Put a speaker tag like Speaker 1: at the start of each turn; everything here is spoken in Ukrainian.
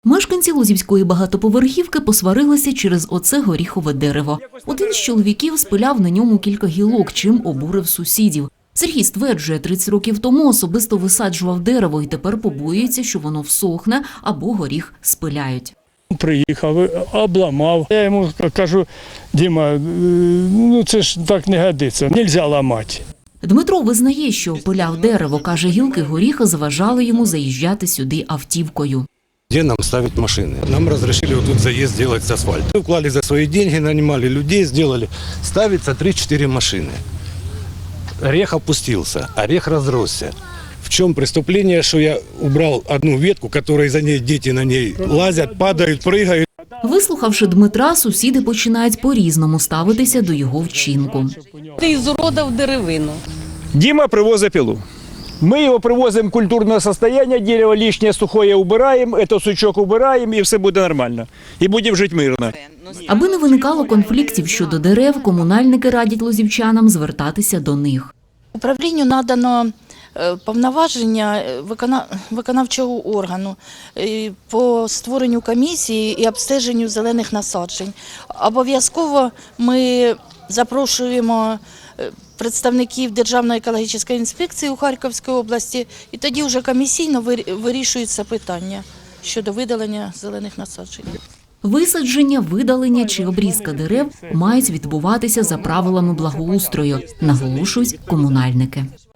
Speaker 1: Мешканці Лозівської багатоповерхівки посварилися через оце горіхове дерево. Один з чоловіків спиляв на ньому кілька гілок, чим обурив сусідів. Сергій стверджує, 30 років тому особисто висаджував дерево і тепер побоюється, що воно всохне або горіх спиляють.
Speaker 2: Приїхав, обламав. Я йому кажу: Діма, ну це ж так не годиться, не можна ламати.
Speaker 1: Дмитро визнає, що пиляв дерево. Каже, гілки горіха заважали йому заїжджати сюди автівкою.
Speaker 3: Где нам ставить машины? Нам разрешили вот тут заезд сделать с асфальта. Мы вклали за свои деньги, нанимали людей, сделали. Ставится 3-4 машины. Орех опустился, орех разросся. В чем преступление, что я убрал одну ветку, которой за ней дети на ней лазят, падают, прыгают.
Speaker 1: Вислухавши Дмитра, сусіди починають по-різному ставитися до його вчинку.
Speaker 4: Ти ізуродав деревину.
Speaker 2: Дима привозить пилу. Мы его привозим в культурное состояние, дерево лишнее сухое убираем, этот сучок убираем, и все буде нормально. І будемо жити мирно.
Speaker 1: Аби не виникало конфліктів щодо дерев, комунальники радять лозівчанам звертатися до них.
Speaker 5: Управлінню надано повноваження виконавчого органу по створенню комісії і обстеженню зелених насаджень. Обов'язково ми запрошуємо представників Державної екологічної інспекції у Харківській області, і тоді вже комісійно вирішується питання щодо видалення зелених насаджень.
Speaker 1: Висадження, видалення чи обрізка дерев мають відбуватися за правилами благоустрою, наголошують комунальники.